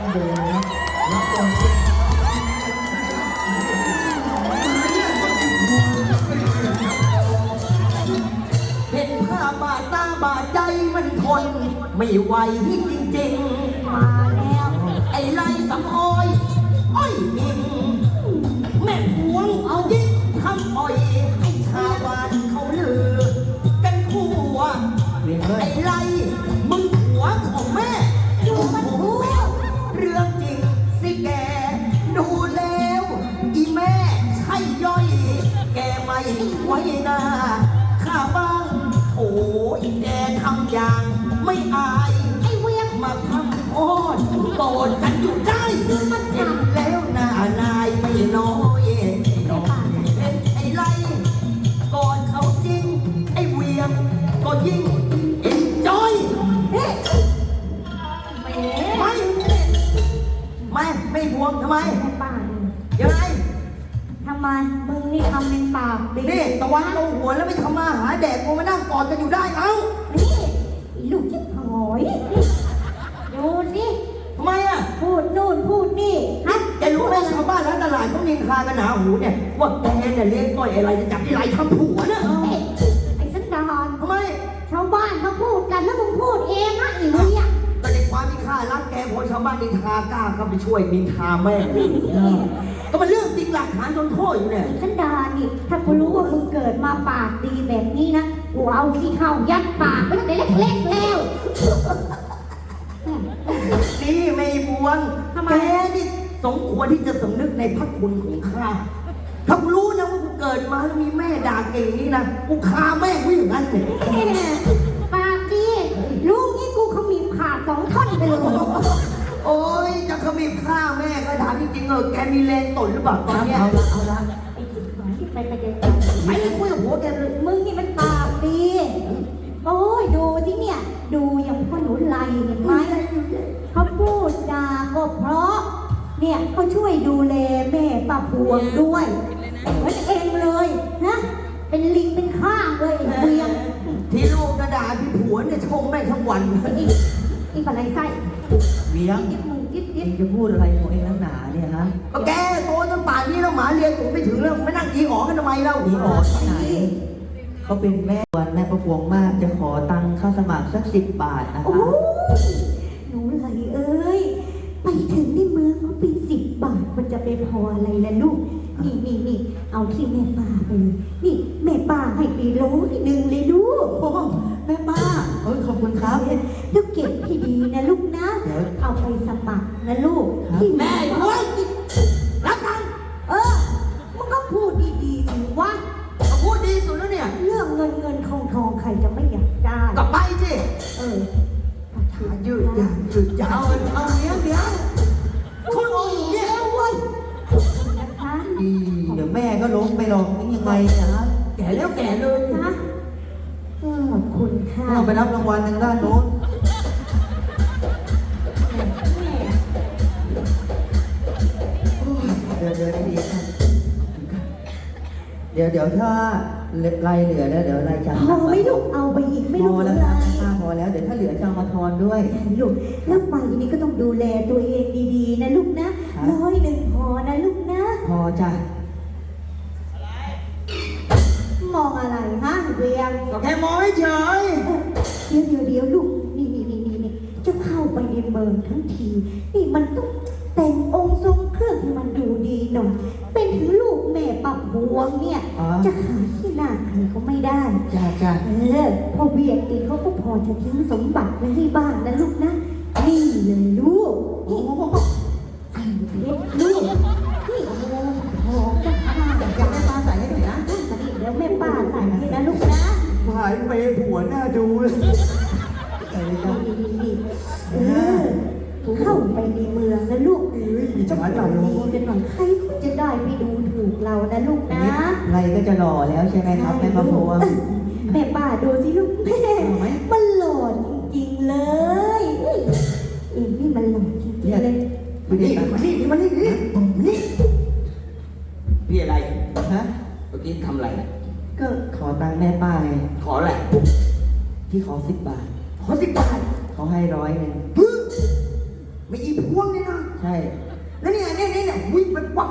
เดินนะรับตรงเห็นภาพบาดตาบาดใจมันทนไม่ไหวจริงๆมาแล้วไอ้ไรสำออยอ้อยอิงแม่หวงเอายิ่งทำอ่อยให้ชาวบ้านเขาลือกันทั่วไอ้ไรมึงหัวของแม่ดูมันหัวเรื่องจริงสิแกดูแล้วอีแม่ใช่ย่อยแกไม่ไว้หน้าข้าบ้างโอ้ยแกทำอย่างไม่อายไอ้เวียงมาทำโอดโกรธกันอยู่ได้มันเห็นแล้วหน้านายไม่น้อยเห็นไอ้ไรก่อนเขาจริงไอ้เวียงก็ยิ่งเอ็นจอยไม่ห่วงทำไมยังไงทำไมมึงนี่ทำเป็นปากดีนี่ตะวันลงหัวแล้วไม่ทำมาหาแดกกูมานั่งกอดกันอยู่ได้เอ้านี่ลูกจิ๊บหอยดูสิทำไมอ่ะพูดนู่นพูดนี่ฮะแกรู้ไหมชาวบ้านร้านตลาดเขานินทากันหนาหูเนี่ยว่าแกเนี่ยเลี้ยงต้อยอะไรจะจับที่ไรทำผัวเนี่ยไอ้สันดานทำไมชาวบ้านเขาพูดกันแล้วมึงพูดเองนะอีเลี้ยงก็ในความที่ข้ารักแกพอชาวบ้านนินทากล้าเข้าไปช่วยนินทาแม่ก็เป็นเรื่องจริงหลักฐานจนโทษอยู่เนี่ยสันดานนี่ถ้ากูรู้ว่ามึงเกิดมาปากดีแบบนี้นะกูเอาขี้เข้ายัดปากไปตั้งแต่เล็กๆแล้วนี่ไม่บวงแกนี่สมควรที่จะสำนึกในพระคุณของข้าถ้ากูรู้นะว่ากูเกิดมาแล้วมีแม่ด่าเก่งนี่นะกูฆ่าแม่กูอย่างนั้นเลยปากดีลูกนี่กูเขามีขาด2 ท่อนไปเลยโอ้ยจะขมิบฆ่าแม่ก็ถามจริงๆแกมีแรงตนหรือเปล่าตอนนี้เอาละไปคุยกับผัวแกเลยมึงนี่มันปากดีโอ้ยดูที่เนี่ยดูอย่างพ่อหนูไล่เห็นไหมเขาพูดจาก็เพราะเนี่ยเขาช่วยดูแลแม่ป้าพวงด้วยเหมือนเองเลยนะเป็นลิงเป็นข้างเลยเวียงที่ลูกกระดาษที่ผัวเนี่ยชมแม่ทั้งวันอีกอะไรไส้เวียงจะพูดอะไรของเองนักหนาเนี่ยฮะก็แกโตจนป่านนี้แล้วหมาเรียนผมไม่ถึงแล้วไม่นั่งยีอ๋อกันทำไมเล่ายีอ๋อที่ไหนเขาเป็นแม่วันแม่ประพวงมากจะขอตังค่าสมัครสัก10 บาทนะคะหนูไหลเอ้ยไปถึงในเมืองเขาเป็น10 บาทมันจะไปพออะไรล่ะลูกนี่เอาที่แม่ป้าไปเลยนี่แม่ป้าให้ไป100เลยลูกโอ้แม่ป้าขอบคุณครับลูกเก็บให้ดีนะลูกนะเอาไปสมัครนะลูกที่แม่ด้วยรักกันมึงก็พูดดีๆสิวะพูดดีสุดแล้วเนี่ยเรื่องเงินทองใครจะไม่อยากได้กลับไปสิยืดยาวเอาเดี๋ยวคนโง่เนี่ยเว้ยนะคะเดี๋ยวแม่ก็ล้มไปหรอกนี่ยังไงนะแก่แล้วแก่เลยนะขอบคุณค่ะเราไปรับรางวัลทางด้านโน้นเดี๋ยวถ้ารายเหลือแล้วเดี๋ยวรายจ่ายพอไม่ลูกเอาไปอีกไม่ลูกแล้วพอแล้วเดี๋ยวถ้าเหลือจะเอามาทอนด้วยลูกแล้วไปนี่ก็ต้องดูแลตัวเองดีๆนะลูกนะ100พอนะลูกนะพอจ้ะมองอะไรฮะเวียงก็แค่มองเฉยเดี๋ยวลูกนี่จะเข้าไปในเมืองทั้งทีนี่มันต้องแต่งองค์ทรงเครื่องให้มันดูดีหน่อยเป็นถึงลูกแม่ป้าพวงเนี่ยจะขายที่หน้าใครก็ไม่ได้จ้าพอเวียงเองเขาก็พอจะทิ้งสมบัติไว้ให้บ้านนะลูกนะนี่เลยลูกใส่เพชรลูกนี่หอมจะผ้าอยากให้ป้าใส่ให้หน่อยนะเดี๋ยวแม่ป้าใส่ให้นะลูกนะหายไปผัวหน้าดูเลยเข้าไปในเมืองนะลูกจะมาจับดีกันหน่อยใครจะได้ไปดูถูกเรานะลูกนะไรก็จะหล่อแล้วใช่ไหมครับแม่ประพวงแม่ป้าดูสิลูกแม่มันหล่อจริงๆเลยนี่มันหล่อจริงๆเลยมานี่พี่อะไรฮะเมื่อกี้ทำอะไรก็ขอตังค์แม่ป้าไงขออะไรที่ขอ10 บาทขอ10 บาทเขาให้100 ไม่อีพวงเลยนะ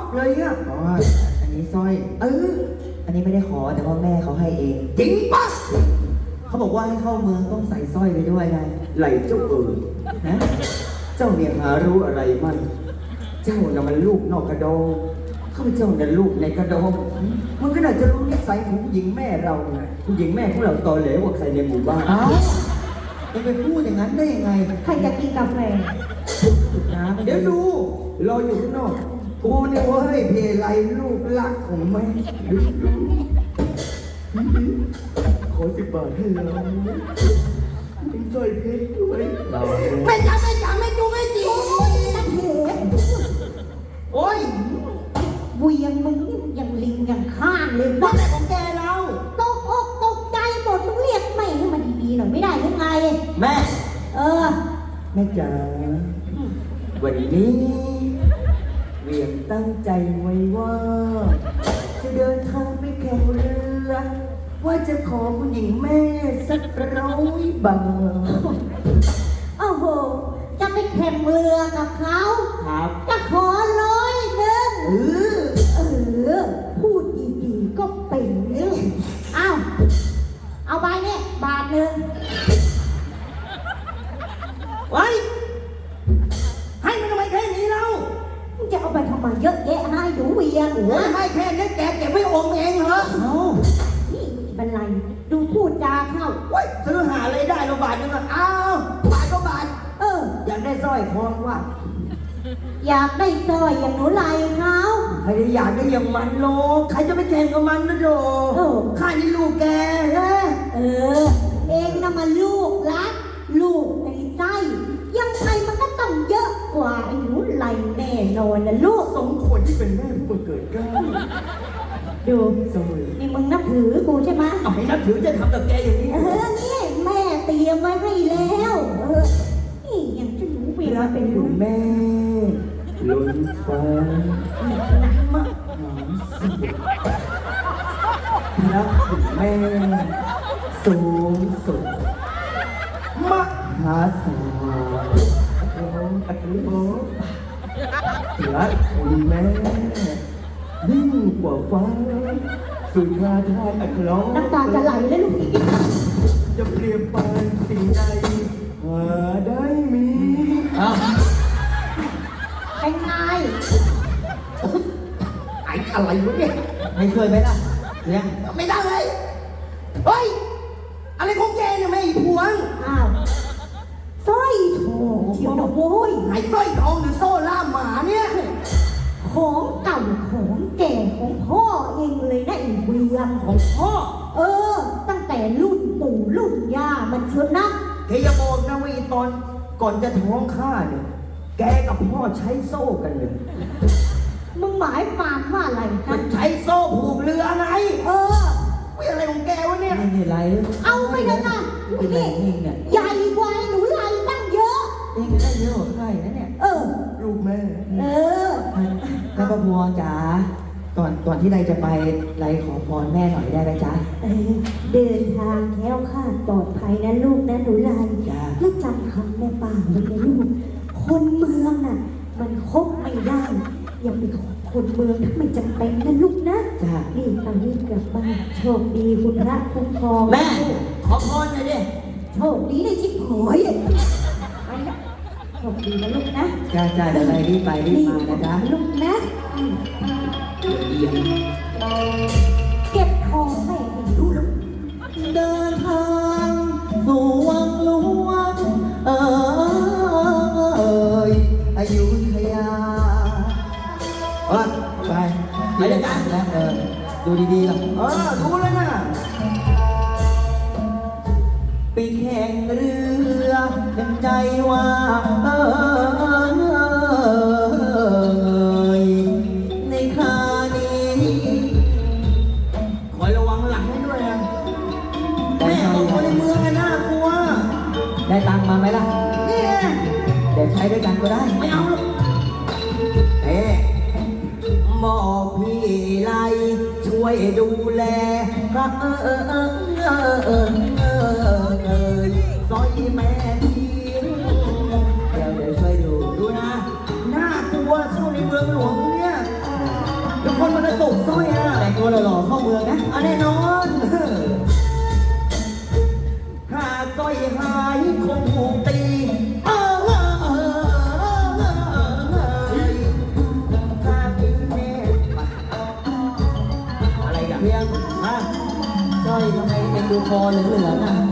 เลยอ่ะเพราะว่าอันนี้สร้อยเอออันนี้ไม่ได้ขอแต่ว่าแม่เขาให้เองจริงปะเขาบอกว่าให้เข้าเมืองต้องใส่สร้อยไปด้วยไงไหลเจ้านะเจ้าเนี่ยหารู้อะไรมั่งเจ้าน่ะมันลูกนอกกระดองข้าพเจ้าน่ะลูกในกระดองมันก็น่าจะรู้นิสัยของผู้หญิงแม่เราไงผู้หญิงแม่ของเราตอเหลวกว่าใครในหมู่บ้านเอ้าจะไปพูดอย่างนั้นได้ยังไงใครจะกินกาแฟน้ำเดี๋ยวดูรออยู่ข้างนอกกูเนี่ยเว้ยเพไลลูกรักของแม่ขอ10 บาทให้เราเป็นสร้อยเพชรด้วยเราไม่จ๋าไม่จูไม่จีโอ้ยนักเหโอ้ยเวียงมึงนี่มึงยังลิงยังข้างเลยว่าบ้าแต่ของแกเราตกอกตกใจหมดมึงเรียกไม่ให้มันดีๆหน่อยไม่ได้หรือไงแม่เออแม่จ๋าวันนี้เวียงตั้งใจไว้ว่า จะเดินทางไปแข่งเรือ ว่าจะขอผู้หญิงแม่สัก100 บาทโอ้โห จะไปแข่งเรือกับเขาครับจะขอ100 เออเออ พูดดีๆก็เป็นเรื่องเอาไปเนี่ย1 บาทไว้ให้มันทำไมแค่นี้เรามึงจะเอาไปทำไมเยอะแยะให้หนูเวียงโอ้ยให้แค่นี้แกเก็บไว้อมเองเหรอเอ้านี่บันไลดูพูดจาเข้าเว้ยซื้อหาอะไรได้เราบาทนึงอ่ะอ้าวบาทก็บาทเอออยากได้สร้อยคอว่ะอยากได้สร้อยอย่างหนูไลเขาใครจะอยากได้อย่างมันโลกใครจะไปแข่งกับมันนะโดข้านี่ลูกแกนะเออ เองนะมาลูกรัก ลูกในไส้ยังไงมันก็ต้องเยอะกว่าไอ้หนูไลแน่นอนนะลูกสมควรที่เป็นแม่ผู้บังเกิดเกล้าดูสมัยนี่มึงนับถือกูใช่ไหมเอาให้นับถือจะทำกับแกอย่างนี้เออนี่แม่เตรียมไว้ให้แล้วเออนี่อย่างที่หนูเวลาเป็นคุลูณกแม่ล้นฟ้าหนักมากหอมสุดรักคุณแม่สูงสุดมหาศาลโอ้อัตโนรักคุณแม่ยิ่งกว่าฟ้าสุดราทานอัครน้ำตาจะไหลเลยลูกจะเปรียบปานสิ่งใดหาได้มีเอ้าเป็นไงไอ้อะไรวะเนี่ยไม่ช่วยไหมล่ะเลี้ยงไม่ได้เลยเฮ้ยอะไรของแกเนี่ยแม่อีพวงอ้าวสร้อยทองเชียวนะโว้ยไอ้สร้อยทองหรือโซ่ล่ามหมาเนี่ยของเก่าของแก่ของพ่อเองเลยนะไอ้เวียงของพ่อเออ ตั้งแต่รุ่นปู่รุ่นย่ามันเชียวนะแกอย่าบอกนะว่าอีตอนก่อนจะท้องข้าเนี่ยแกกับพ่อใช้โซ่กันเลยมึงหมายความว่าอะไรมันะนใช้โซ่ผูกเรือไงเออวิอะไรของแกวะเนี่ยนี่ไรเอาไปเลยนะเป็นไรนี่เองเนี่ยใหญ่กว่าไอ้หนูไลตั้งเยอะเองได้เยอะกว่าใครนะเนี่ยเออลูกแม่เออแม่ประพวงจ๋าก่อนที่ไรจะไปไรขอพรแม่หน่อยได้ไหมจ๊ะเออ เดินทางแคล้วคลาดปลอดภัยนะลูกนะหนูไลจ้าแล้วจำคำแม่ป่าไว้นะลูก คนเมืองน่ะ มันคบไม่ได้ อย่าไปขอคนเมืองถ้าไม่จำเป็นนะลูกนะจ้ารีบไปรีบกลับบ้านโชคดีคุณพระคุ้มครองแม่ขอพรหน่อยดิโชคดีได้ชิบหายไปนะโชคดีนะลูกนะจ้าจ้าเดี๋ยวไรรีบไปรีบมานะจ๊ะลูกนะอืมเยี่ยมเก็บทองแม่ให้ดูลูกเดินทางสู่วังหลวงอยุธยาไปไปด้วยกันนะดูดีๆล่ะดูแล้วนะไปแข่งเรือเป็นใจว่าในครานี้คอยระวังหลังให้ด้วยนะแม่บอกคนในเมืองน่ากลัวได้ตังค์มาไหมล่ะนี่ไงเดี๋ยวใช้ด้วยกันก็ได้ไม่เอาหรอกบอกพี่ไลช่วยดูแลพระซอยแม่ทีเดี๋ยวช่วยดูดูนะ น่ากลัวเข้าในเมืองหลวงเนี่ยคนมันจะตกสร้อยอ่ะแต่งตัวหล่อๆเข้าเมืองนะแน่นอนหากสร้อยหายคงถูกตีถ้ามีแม่อะไรกันเพียงฮะสร้อยทำไมเอ็นดูคอเหลืองๆอ่ะ